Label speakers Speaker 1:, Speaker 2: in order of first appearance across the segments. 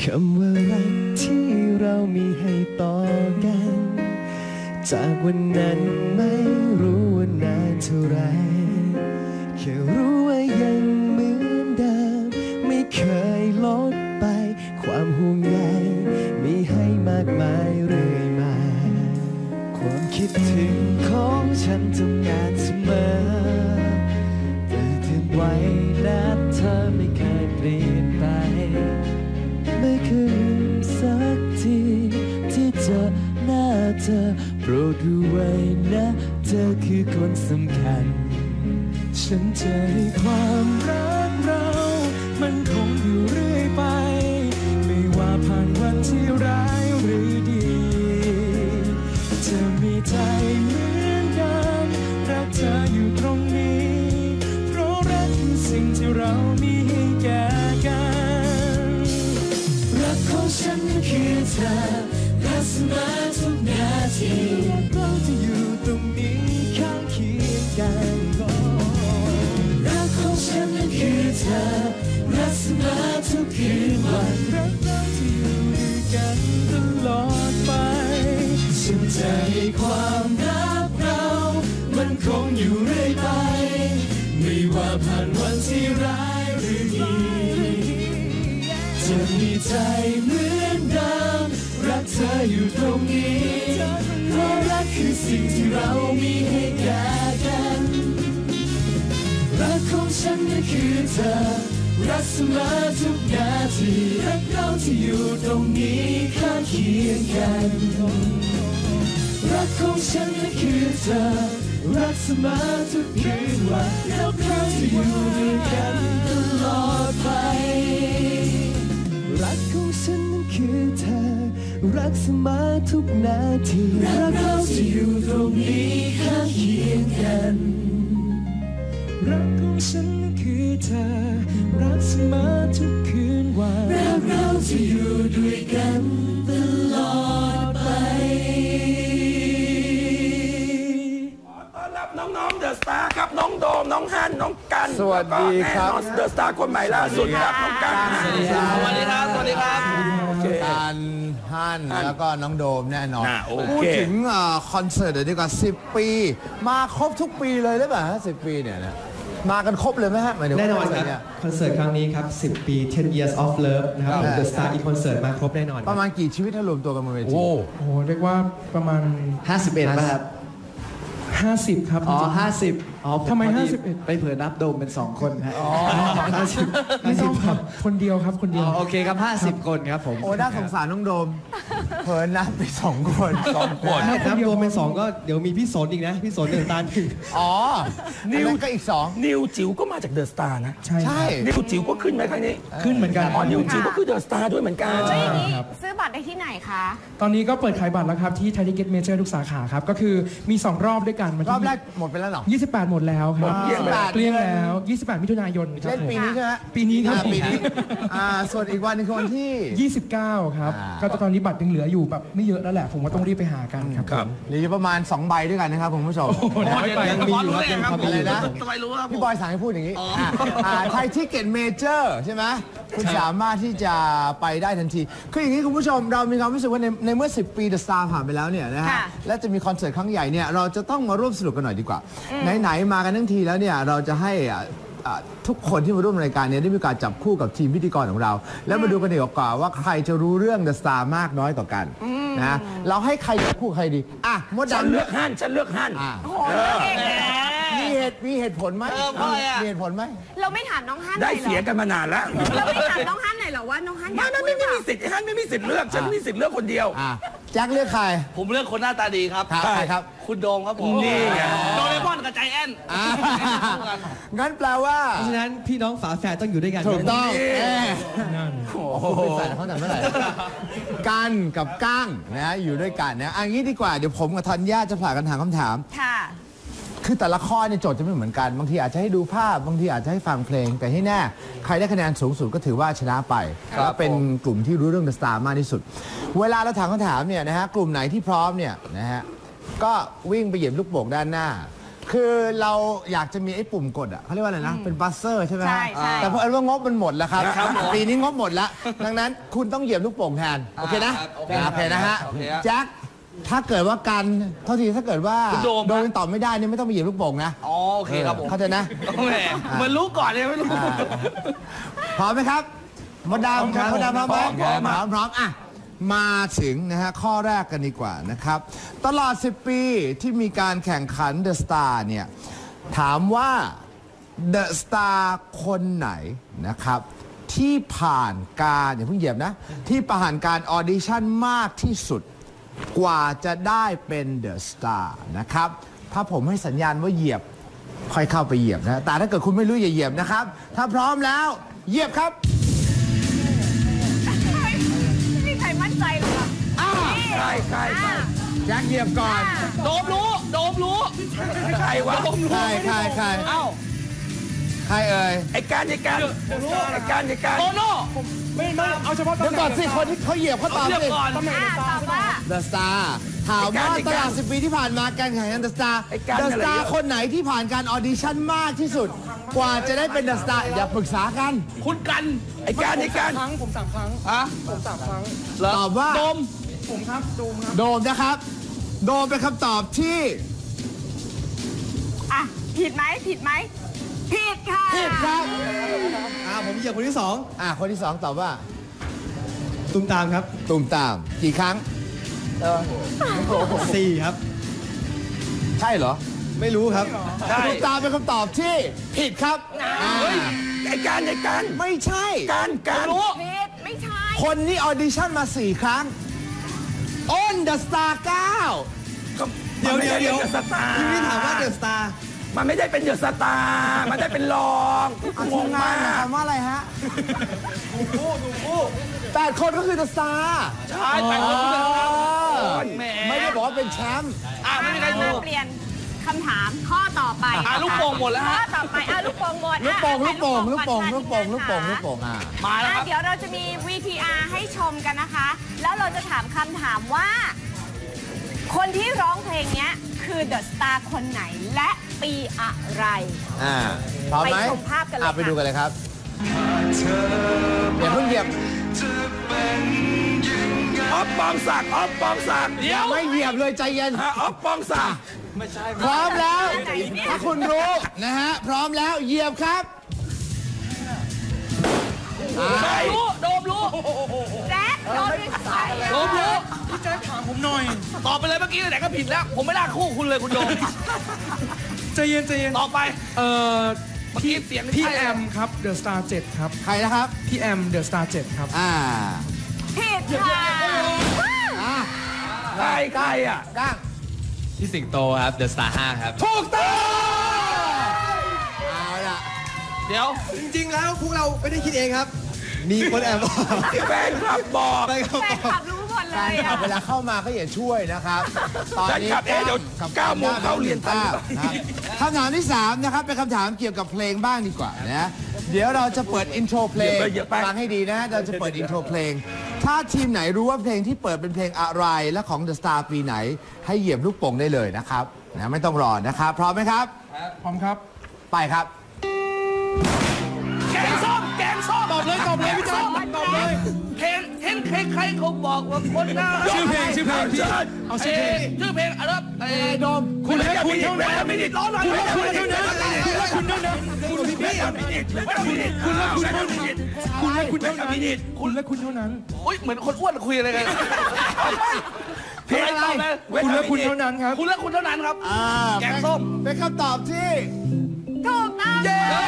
Speaker 1: ำว่ารักที่เรามีให้ต่อกันจากวันนั้นไม่รู้ว่านานเท่าไรแค่รู้ว่ายังเหมือนเดิมไม่เคยลดไปความห่วงใยมีให้มากมายเรื่อยมาความคิดถึงของฉันทำงานเสมอแต่ถึงไว้และเธอไม่เคยเปลี่ยนไปไม่เคยลืมสักทีที่เจอหน้าเธอโปรดรู้ไว้นะเธอคือคนสำคัญฉันจะให้ความรักเรามันคงอยู่เรื่อยไปไม่ว่าผ่านวันที่ร้ายหรือดีจะมีใจเหมือนเดิมรักเธออยู่ตรงนี้เพราะรักคือสิ่งที่เรามีให้แก่กันรักของฉันคือเธอรักเสมอทุกนาทีเราจะอยู่ตรงนี้ข้างเคียงกันรักของฉันคือเธอรักเสมอทุกคืนวันรักเราจะอยู่ด้วยกันตลอดไปฉันจะให้ความรักเรามันคงอยู่เรื่อยไปไม่ว่าผ่านวันที่ร้ายหรือดีจะมีใจเหมือนเดิมรักเธออยู่ตรงนี้เพราะรักคือสิ่งที่เรามีให้แก่กันรักของฉันก็คือเธอรักเสมอทุกนาทีรักเราที่อยู่ตรงนี้ข้างเคียงกันรักของฉันก็คือเธอรักเสมอทุกคืนวันรักเราที่อยู่ด้วยกันตลอดไปรักของฉันนั้นคือเธอรักเสมอทุกนาทีรักเราที่อยู่ตรงนี้ข้างเคียงกันรักของฉันนั้นคือเธอรักเสมอทุกคืนวันรักเราที่อยู่ด้วยกันตลอดไป
Speaker 2: ต้อนรับน้องๆเดอะสตาร์ครับน้องโดมน้องฮั่นน้องกัน
Speaker 3: สวัสดีครับ
Speaker 2: เดอะสตาร์คนใหม่ล่าสุดครับน้องกัน
Speaker 3: สวัสดีครับ
Speaker 4: สวัสดีครับ สวัสดีครับ
Speaker 3: การฮั่นแล้วก็น้องโดมแน่นอน
Speaker 2: โอเค
Speaker 3: พูดถึงคอนเสิร์ตเดี๋ยวดีกว่า10 ปี มาครบทุกปีเลยได้ป่ะฮะ10 ปีเนี่ยนะมากันครบเลยไหมฮะหมายถึง
Speaker 1: แน่นอน
Speaker 3: ว่า
Speaker 1: ครับคอนเสิร์ตครั้งนี้ครับ10 ปี 10 years of love นะครับ The Star อีกคอนเสิร์ตมาครบแน่นอน
Speaker 3: ประมาณกี่ชีวิตถ้ารวมตัวกันบนเวที
Speaker 2: โอ้
Speaker 4: โอ้โหเรียกว่าประมาณ
Speaker 1: 51ป่ะครับ
Speaker 4: 50 ครับ
Speaker 1: อ๋อ50อ๋อ
Speaker 4: ทำไม
Speaker 1: พอดี
Speaker 4: 51
Speaker 1: ไปเผื่อนับโดมเป็น2คนฮะ50
Speaker 4: ไม่ต้องครับ คนเดียวครับ คนเดียว
Speaker 1: โอเคครับ50 คนครับผม
Speaker 3: โอ้น่าสงสารน้องโดมเผินนับไป2 คน
Speaker 2: 2 คน
Speaker 1: นับรวมเป็น2ก็เดี๋ยวมีพี่สนอีกนะพี่สน1 ตา
Speaker 3: อ๋อ
Speaker 2: นิว
Speaker 3: อันนั้นก็อีก2
Speaker 2: นิวจิ๋วก็มาจากเดอะสตาร์นะ
Speaker 4: ใช่
Speaker 3: ใช่
Speaker 2: นิวจิ๋วก็ขึ้นไหมครั้งนี้
Speaker 4: ขึ้นเหมือนกัน
Speaker 2: อ๋อนิวจิ๋วก็คือเดอะสตาร์ด้วยเหมือนกัน
Speaker 5: แล้วอย่างนี้
Speaker 4: ครับ
Speaker 5: ซื้อบัตรได้ที่ไหนคะ
Speaker 4: ตอนนี้ก็เปิดขายบัตรแล้วครับ ที่ไทยทิเก็ตเมเจอร์ทุกสาขาครับ ก็คือมี 2 รอบด้วยกันวัน
Speaker 3: รอบแร
Speaker 4: ที่
Speaker 3: กหมดไปแล้วเหรอ
Speaker 4: 28 หมดแล้วครับ
Speaker 2: หมดเกลี้ยงแล้ว
Speaker 4: เกลี้ยงแล้ว 28 มิถุนายนครับ
Speaker 3: เล่นปีนี้ใช่ไหม
Speaker 4: ปีนี้ครับ
Speaker 3: ปีนี้ส่วนอีกวันหนึงคือวันที่
Speaker 4: 29 ครับ
Speaker 3: อ่า
Speaker 4: ก็ตอนนี้บัตรยังเหลืออยู่แบบไม่เยอะแล้วแหละ ผมว่าต้องรีบไปหากันครับ
Speaker 2: ครับ
Speaker 3: เหลืออยู่ประมาณ2 ใบด้วยกันนะครับคุณผู้ชม
Speaker 4: น้อยไป
Speaker 1: ยังมีอยู่ครับยังพอมีอยู่
Speaker 3: อะไรนะ
Speaker 1: ครับ
Speaker 4: ทำไมรู้ครับ
Speaker 3: พี่บอยสั่งให้พูดอย่างนี้ไทยทิเก็ตเมเจอร์ใช่ไหมคุณสามารถที่จะไปได้ทันทีคืออย่างนี้คุณผู้ชมเรามีความรู้สึกว่าในเมื่อ10 ปี The Star ผ่านไปแล้วเนี่ยนะฮะ
Speaker 5: ค่ะ
Speaker 3: และจะมีคอนเสิร์ตครั้งใหญ่เนี่ยเราจะต้องมาร่วมสนุกกันหน่อยดีกว่าไหนๆมากันทั้งทีแล้วเนี่ยเราจะให้ทุกคนที่มาร่วมรายการเนี้ได้มีการจับคู่กับทีมพิธีกรของเรา แล้วมาดูกันดีกว่าว่าใครจะรู้เรื่อง The Star มากน้อยต่อกันนะเราให้ใครจับคู่ใครดีมด
Speaker 2: ฉัน
Speaker 3: ดำ
Speaker 2: เลือกฮั่นฉันเลือกฮั่น
Speaker 5: โอ้โหเลือกเองเลยนะ
Speaker 3: มีเหตุผลไหมมีเหตุผลไหม
Speaker 5: เราไม่ถามน้องฮั่นห
Speaker 2: ได้
Speaker 5: น่อยเหร
Speaker 2: เสีย
Speaker 5: อ
Speaker 2: กันมานานแล้ว
Speaker 5: เราไม่ถามน้องฮั่นหน่อยเหรอว่าน้องฮั่นอยาก
Speaker 2: ไม่
Speaker 5: พูด
Speaker 2: มีสิทธิ์ฮั่นไม่มีสิทธิ์เลือกฉันมีสิทธิ์เลือกคนเดียว
Speaker 3: แจ็คเลือกใคร
Speaker 6: ผมเลือกคนหน้าตาดีครับ
Speaker 3: ใครครับ
Speaker 6: คุณโดมครับผม
Speaker 2: นี่ไง
Speaker 6: โดเรมอนกับใจแอน
Speaker 3: งั้นแปลว่า
Speaker 1: เพราะฉะนั้นพี่น้องฝาแฝดต้องอยู่ด้วยกัน
Speaker 3: ถูกต้อง
Speaker 4: นั่น
Speaker 3: เป็นแฟนเขาแต่เมื่อไหร่กันกับก้างนะอยู่ด้วยกันนะอันนี้ดีกว่าเดี๋ยวผมกับธัญญาจะผ่ากันถามคำถาม
Speaker 5: ค่ะ
Speaker 3: คือแต่ละข้อเนี่ยโจทย์จะไม่เหมือนกันบางทีอาจจะให้ดูภาพบางทีอาจจะให้ฟังเพลง แต่ให้แน่ใครได้คะแนนสูงสุดก็ถือว่าชนะไปและเป็นกลุ่มที่รู้เรื่อง The Star มากที่สุด เวลาเราถามคำถามเนี่ยนะฮะกลุ่มไหนที่พร้อมเนี่ยนะฮะก็วิ่งไปเหยียบลูกโป่งด้านหน้าคือเราอยากจะมีไอ้ปุ่มกดอ่ะเขาเรียกว่าอะไรนะ เป็นบัสเซอร์ใช่ไหมฮะ
Speaker 5: ใช่
Speaker 3: แต่เพราะว่างบมันหมดแล้วครับ
Speaker 6: ครับผม
Speaker 3: ปีนี้งบหมดแล้ว ดังนั้นคุณต้องเหยียบลูกโป่งแทน โอเคนะ
Speaker 6: โอเค
Speaker 3: โอเคนะฮะ
Speaker 6: โอเคฮะ
Speaker 3: แจ็คถ้าเกิดว่ากันเท่าทีถ้าเกิดว่า
Speaker 6: คุณโดม
Speaker 3: โดนตอบไม่ได้เนี่ยไม่ต้องไปเหยียบลูกโป่งนะ
Speaker 6: อ๋อโอเคครับผม
Speaker 3: เข้าใจนะ
Speaker 6: แหมเหมือนรู้ก่อนเลยไม่รู้
Speaker 3: พร้อมไหมครับมดดำครับมดดำพร้อมไหมพร้อมอ่ะมาถึงนะฮะข้อแรกกันดีกว่านะครับ ตลอด 10 ปีที่มีการแข่งขัน The Star เนี่ยถามว่า The Star คนไหนนะครับที่ผ่านการอย่าเพิ่งเหยียบนะ ที่ผ่านการออดิชั่นมากที่สุดกว่าจะได้เป็น The Star นะครับถ้าผมให้สัญญาณว่าเหยียบค่อยเข้าไปเหยียบนะแต่ถ้าเกิดคุณไม่รู้อย่าเหยียบนะครับถ้าพร้อมแล้วเหยียบครับ
Speaker 5: ไม่มีใครมั่นใจเลยอ่ะ
Speaker 2: ใช่ใช่ใช่
Speaker 3: แจ็คเหยียบก่อน
Speaker 6: โดมรู้โดมรู้
Speaker 2: ใครวะ
Speaker 6: โดมรู้
Speaker 3: ใคร
Speaker 6: เอ้า
Speaker 3: ใครเอ่ย
Speaker 2: ไอ้การไอ้การไอ้การไอ้การ
Speaker 6: โตโน่
Speaker 4: ไม่เอาเฉพาะตำ
Speaker 3: เดี๋ยว
Speaker 4: แหน่ง
Speaker 3: ก่อนสิคนที่เขาเหยียบเขาตอบ
Speaker 6: เรียบ
Speaker 3: สิ
Speaker 6: ก่อน
Speaker 4: ตำแหน่ง
Speaker 5: ตอบว่า
Speaker 3: The Star ถามว่าตลอด10 ปีที่ผ่านมาการแข่งขัน The Star The Star คนไหนที่ผ่านการออดิชั่นมากที่สุด กว่าจะได้เป็น The Star อย่าปรึกษากัน
Speaker 6: คุณกัน
Speaker 2: ไอ้การไอ้การ
Speaker 4: ผม3 ครั้ง
Speaker 6: ฮะ
Speaker 4: ผม3 ครั้ง
Speaker 6: เหร
Speaker 3: ตอบว่า
Speaker 6: โดม
Speaker 4: ผมครับโดมครับ
Speaker 3: โดมนะครับ โดมเป็นคำตอบที่
Speaker 5: อ่ะผิดไหมผิดค่ะ
Speaker 3: ผิดครับ
Speaker 1: ผมเหยียบคนที่สอง
Speaker 3: คนที่ 2 ตอบว่า
Speaker 1: ตุ้มตามครับ
Speaker 3: ตุ่มตามกี่ครั้ง
Speaker 1: 4 ครับ
Speaker 3: ใช่เหรอ
Speaker 1: ไม่รู้ครับ
Speaker 2: ใช่
Speaker 3: ตุ่มตามเป็นคำตอบที่ผิดครับอ่า
Speaker 2: เฮ้ยไอ้การไอ้การ
Speaker 3: ไม่ใช่
Speaker 2: การ
Speaker 6: รู้
Speaker 5: ผิดไม่ใช่
Speaker 3: คนนี้ออดิชั่นมา 4 ครั้ง อ้น The Star
Speaker 1: เดี๋ยว
Speaker 2: สตาร์
Speaker 1: พี่ไม่ถามว่าเดอะสตาร์
Speaker 2: มันไม่ได้เป็นเดอะสตาร์มันได้เป็นรอง
Speaker 3: 9
Speaker 2: งงมาก
Speaker 3: คำว่าอะไรฮะ8 คนก็คือ The Star
Speaker 6: ใช่ไปคนที่หนึ่งครับแหม
Speaker 3: ไม่ได้บอกว่าเป็นแชมป์
Speaker 6: ไม่มีใครรู้
Speaker 5: เปลี่ยนคำถามข้อต่อไป
Speaker 6: ลูกโป่งหมดแล้ว
Speaker 5: ข้อ
Speaker 6: ฮะ
Speaker 5: ต่อไปลูกโป่งหมด
Speaker 3: ลูกโป่ง
Speaker 5: อ่ะ
Speaker 3: ลูกโป่ง
Speaker 5: ให้
Speaker 3: ลูกโป่ง
Speaker 5: ก่อน
Speaker 3: ลูกโป่ง
Speaker 5: ค่ะ
Speaker 3: ลูกโป่งลูกโป่ง
Speaker 6: มาแล้วครับ
Speaker 5: เดี๋ยวเราจะมี VTR ให้ชมกันนะคะ แล้วเราจะถามคำถามว่า คนที่ร้องเพลงเนี้ยคือ The Star คนไหนและปีอะไร
Speaker 3: พร้อมไหม
Speaker 5: ไปชมภาพกันเลยค่ะ
Speaker 3: ไปดูกันเลยครับอย่าเพิ่งเหยียบ
Speaker 2: ออฟปองศักดิ์ออฟปองศักดิ์
Speaker 6: เดี๋ยว
Speaker 3: ไม่เหยียบเลยใจเย็น
Speaker 2: ออฟปองศักดิ์
Speaker 3: พร้อมแล้ว
Speaker 5: ไหนเนี่ย
Speaker 3: ถ้าคุณรู้นะฮะ พร้อมแล้วเหยียบครับ
Speaker 2: ใคร
Speaker 6: รู้โดมรู้
Speaker 5: แจ๊คโดนด้วยใคร
Speaker 6: โดมรู้
Speaker 4: พี่แจ๊คถามผมหน่อย
Speaker 6: ตอบไปเลยเมื่อกี้ไหนก็ผิดแล้ว ผมไม่น่าคู่คุณเลยคุณโดม
Speaker 4: ใจเย็นใจเย็น
Speaker 6: ต่อไป
Speaker 4: เอ่อ
Speaker 6: เมื่อกี้เสียง
Speaker 4: พี่
Speaker 6: ใช่
Speaker 4: แอมครับ The Star 7 ครับ
Speaker 3: ใครนะครับ
Speaker 4: พี่แอม The Star 7 ครับ
Speaker 5: ผิดค่ะ
Speaker 2: ใครอ่ะ
Speaker 3: ก้าง
Speaker 7: พี่สิงโตครับ The Star 5 ครับ
Speaker 3: ถูกต้องเอาล่ะ
Speaker 6: เดี๋ยว
Speaker 1: จริงๆแล้วพวกเราไม่ได้คิดเองครับ มีคนแอบบอก
Speaker 2: แฟนคลับบอก
Speaker 1: ไปครับ
Speaker 5: แฟนคลับรู้หมดเล
Speaker 3: แฟน
Speaker 5: ย
Speaker 3: คลั
Speaker 5: อ่ะ
Speaker 3: บเวลาเข้ามาก็อย่าช่วยนะครับ ตอนนี้
Speaker 2: แฟนคลับเดี๋ยว
Speaker 3: กับ
Speaker 2: 9 โมงเข้าเรียนทัน
Speaker 3: นะครับคำถามที่ 3 นะครับ เป็นคำถามเกี่ยวกับเพลงบ้างดีกว่านะ เดี๋ยวเราจะเปิดอินโทรเพลง
Speaker 2: เยอะไป
Speaker 3: ฟังให้ดีนะ เราจะเปิดอินโทรเพลง ถ้าทีมไหนรู้ว่าเพลงที่เปิดเป็นเพลงอะไรและของ The Star ปีไหน ให้เหยียบลูกโป่งได้เลยนะครับนะไม่ต้องรอนะครับ พร้อมไหมครับ
Speaker 4: พร้อมครับ
Speaker 3: ไปครับ
Speaker 6: แกงส้มแกงส้ม
Speaker 4: ตอบเลยพี่แจ๊คตอบเลย
Speaker 6: เห็นใครๆเขาบอกว่าคนหน้า
Speaker 4: ชื่อเพลงพี่เอาชื่อเพลง
Speaker 6: ชื่อเพลงอะไรนะ
Speaker 3: ไอ้โดม
Speaker 4: คุณและคุณเท่านั้น
Speaker 2: ไม่ได้ร้อนหน่อย
Speaker 4: คุณและคุณเท่านั้นคุณและคุณเท่านั้น
Speaker 2: คุณพี่ไม่ได้คุณและคุณเท่านั้น
Speaker 4: คุณและคุณเท่านั้นคุณและคุณเท่านั้น
Speaker 6: อุ้ยเหมือนคนอ้วนคุยอะไรกัน
Speaker 2: เพลงอะไร
Speaker 4: คุณและคุณเท่านั้นครับ
Speaker 6: คุณและคุณเท่านั้นครับ แกงส้ม
Speaker 3: เป็นคำตอบที่
Speaker 5: ถูกต้อง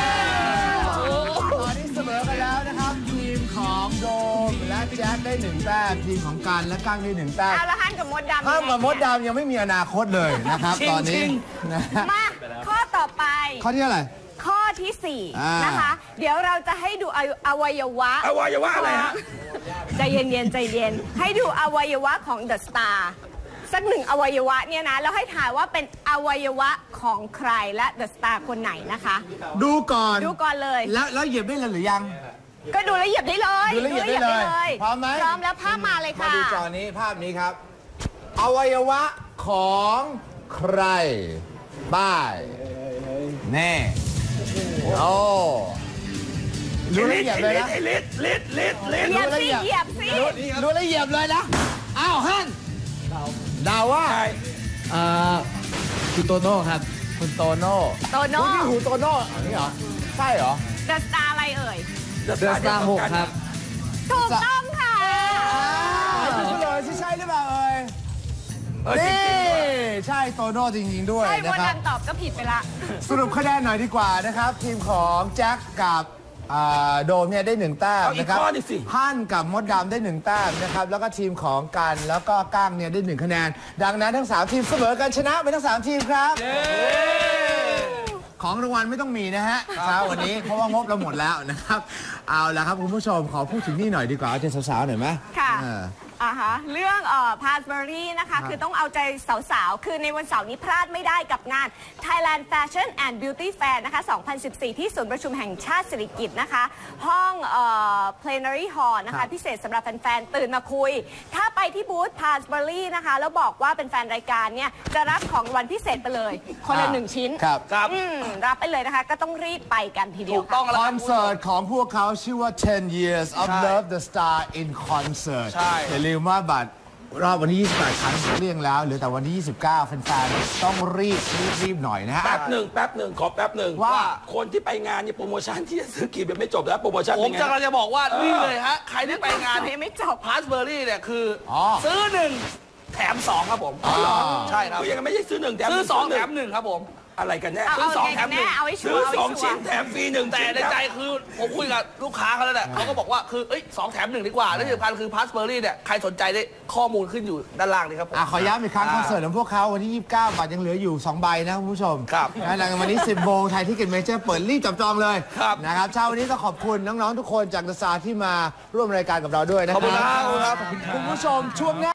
Speaker 3: ตอนนี้เสมอกันแล้วนะครับ ทีมของโดมและแจ๊คได้1 แต้มทีมของกันและก้างได้1 แต้ม
Speaker 5: เอาละฮั่นกับมดดำ
Speaker 3: ห้ามกับมดดำยังไม่มีอนาคตเลยนะครับ
Speaker 6: ชิง
Speaker 3: ตอนนี้
Speaker 6: ชิง
Speaker 3: นะฮะ
Speaker 5: มาข้อต่อไป
Speaker 3: ข้อที่เท่าไหร่
Speaker 5: ข้อที่
Speaker 3: อ่า
Speaker 5: 4 นะคะ เดี๋ยวเราจะให้ดูอวัยวะ
Speaker 2: อวัยวะอะไรฮะ
Speaker 5: ใจเย็นๆใจเย็น ให้ดูอวัยวะของ The Star สักหนึ่งอวัยวะเนี่ยนะ แล้วให้ถ่ายว่าเป็นอวัยวะของใครและ The Star คนไหนนะคะ
Speaker 3: ดูก่อน
Speaker 5: ดูก่อนเลย
Speaker 3: แล้วเหยียบได้เลยหรือยัง
Speaker 5: ก็ดูแล้วเหยียบได้เลย
Speaker 3: ดูแล้วเหยียบได้เลยพร้อมไหม
Speaker 5: พร้อมแล้วภาพมาเลย
Speaker 3: มา
Speaker 5: ค่ะ
Speaker 3: ดูจอนี้ภาพนี้ครับ อวัยวะของใครบายแน่โอ้รู้ละเอียดเลยนะ
Speaker 2: ลิด
Speaker 5: เหยียบสิเหยียบสิ
Speaker 3: รู้ละเอียดเลยนะอ้าวฮั่นดาวว่า
Speaker 2: ใช่
Speaker 7: คุณโตโน่ครับ
Speaker 3: คุณโตโน่
Speaker 5: โตโน่
Speaker 3: พี่หูโตโน่อันนี้เหรอใช่เหรอ
Speaker 5: เดอะสตาร์อะไรเอ่ย
Speaker 2: เดอะ
Speaker 7: เดอะสตาร์6ครับ
Speaker 5: ถูกต้องค่ะ
Speaker 3: เฉลยที่ใช่หรือเปล่าเอ่ย
Speaker 2: จริ
Speaker 3: นี่
Speaker 2: งๆด้วย
Speaker 3: ใช่โตโน่จริงๆด้วย
Speaker 5: ใช่
Speaker 3: นะ
Speaker 5: ว่า
Speaker 3: ครั
Speaker 5: ดั
Speaker 3: บ
Speaker 5: นตอบก็ผิดไปละ
Speaker 3: สรุปคะแนนหน่อยดีกว่านะครับ ทีมของแจ็คกับโดมเนี่ยได้1แต้ม
Speaker 2: เอาอีก
Speaker 3: นะครับ
Speaker 2: ข้อหนึ่งสิ
Speaker 3: ฮั่นกับมดดำได้1แต้มนะครับแล้วก็ทีมของกันแล้วก็ก้างเนี่ยได้1คะแนน ดังนั้นทั้ง3ทีมเสมอกันชนะไปทั้ง3ทีมครับของรางวัลไม่ต้องมีนะฮะเช้าวันนี้เพราะว่างบเราหมดแล้วนะครับเอาละครับคุณผู้ชมขอพูดถึงนี่หน่อยดีกว่าเอาใจสาวๆหน่อยไหม
Speaker 5: ค่ะ
Speaker 3: เออ
Speaker 5: เรื่องพาสเบอรี่นะคะคือต้องเอาใจสาวๆ คือในวันเสาร์นี้พลาดไม่ได้กับงาน Thailand Fashion and Beauty Fair นะคะ 2014 ที่ศูนย์ประชุมแห่งชาติสิริกิติ์นะคะ ห้อง Plenary Hall นะคะ พิเศษสำหรับแฟนๆ ตื่นมาคุย ถ้าไปที่บูธพาสเบอรี่นะคะ แล้วบอกว่าเป็นแฟนรายการเนี่ย จะรับของรางวัลพิเศษไปเลย คนละ1 ชิ้น
Speaker 3: ครับ
Speaker 5: รับไปเลยนะคะ ก็ต้องรีบไปกันทีเดียว
Speaker 6: ถูกต้อง
Speaker 5: ค่ะ
Speaker 6: แล้ว
Speaker 3: ค
Speaker 6: ค
Speaker 3: อ
Speaker 6: รับ
Speaker 3: นเสิร์ตของพวกเขาชื่อว่า 10 years of
Speaker 6: ใช่
Speaker 3: love the star in concert
Speaker 6: ใช่
Speaker 3: อย่าลืมว่าบัตรรอบวันที่ 28 ครั้งเรียงแล้วเหลือแต่วันที่ 29 แฟนๆต้องรีบหน่อยนะฮะ
Speaker 2: แป๊บหนึ่งขอแป๊บหนึ่ง
Speaker 3: ว่า
Speaker 2: คนที่ไปงานเนี่ยโปรโมชั่นที่จะซื้อกี่แบบไม่จบแล้วโปรโมชั่น
Speaker 6: ผ
Speaker 2: เป็
Speaker 6: ม
Speaker 2: นไง
Speaker 6: จะกำลังจะบอกว่านี่เลยฮะ ใครที่ไปงาน
Speaker 5: ยังไม่จบ
Speaker 6: พาสเบอรี่เนี่ยคืออ
Speaker 3: อ
Speaker 6: ซื้อ1แถม2ครับผม ใช่ครับ
Speaker 2: คือยังไม่ใช่ซื้อ1แถม
Speaker 6: ซื้อ
Speaker 2: 1
Speaker 6: 2แถม1ครับผม
Speaker 2: อะไรกันแน่
Speaker 5: เอา
Speaker 6: ซื้อสอง
Speaker 5: ไง
Speaker 6: แถ
Speaker 5: กั
Speaker 6: ม
Speaker 5: น
Speaker 6: หนึ่
Speaker 5: แน่
Speaker 6: ง
Speaker 5: เอาให้ชั
Speaker 2: ซื้
Speaker 5: ว
Speaker 2: อ
Speaker 5: ร์เอาให้
Speaker 2: 2
Speaker 5: ชัว
Speaker 2: ชิ้น
Speaker 5: ร์
Speaker 2: แถมฟรี1
Speaker 6: แต่ในใจคือผมคุยกับลูกค้าเขาแล้วแหละเขาก็บอกว่าคือ2แถม1ดีกว่าและที่สำคัญคือพาสเบอรี่เนี่ยใครสนใจได้ข้อมูลขึ้นอยู่ด้านล่างนี่ครับผม
Speaker 3: ขอย้ำอีกครั้งคอนเสิร์ตของพวกเขาวันที่ 29 บัตรยังเหลืออยู่ 2 ใบนะคุณผู้ชม
Speaker 6: ครับ
Speaker 3: นะหลังจากวันนี้ 10 โมงไทยที่เก็ตเมเจอร์เปิดรีบจับจองเลย
Speaker 6: ครับ
Speaker 3: นะครับเช้าวันนี้ต้องขอบคุณน้องๆทุกคนจากเดอะสตาร์ที่มาร่วมรายการกับเราด้วยนะค
Speaker 6: ขอบคุณ
Speaker 3: รับ
Speaker 6: ครับ
Speaker 3: คุณผู้ชมช่วงหน้า